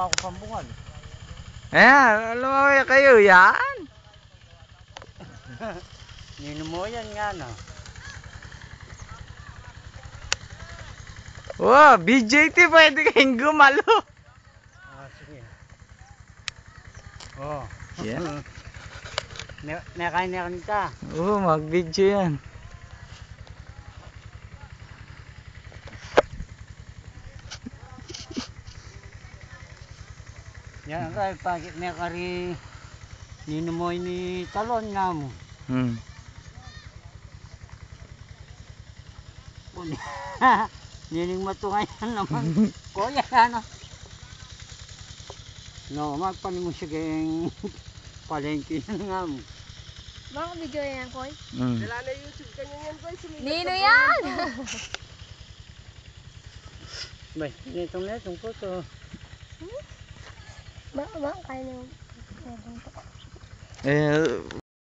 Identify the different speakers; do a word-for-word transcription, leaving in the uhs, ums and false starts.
Speaker 1: pa ako pambungan.
Speaker 2: Eh, lumaway kayo yan.
Speaker 1: Nino mo yan nga na.
Speaker 2: Wow, B J T pwede kayong gumalo.
Speaker 1: Ah, sige. Oh.
Speaker 2: Yeah.
Speaker 1: Nakain na ka.
Speaker 2: Oo, mag-video yan.
Speaker 1: Yan kay pagit na kari nino mo ni talon nga mo.
Speaker 2: Hmm.
Speaker 1: Nining matungayan naman. Kuya ano. No, magpanin mo siya kayong palengke nga mo.
Speaker 3: Baka video yan, Koy?
Speaker 2: Hmm.
Speaker 4: Wala na YouTube kanya yan, Koy.
Speaker 3: Nino yan!
Speaker 1: Bay, netong netong po to.
Speaker 3: Baka ba? Kaya na yung...
Speaker 2: Eh,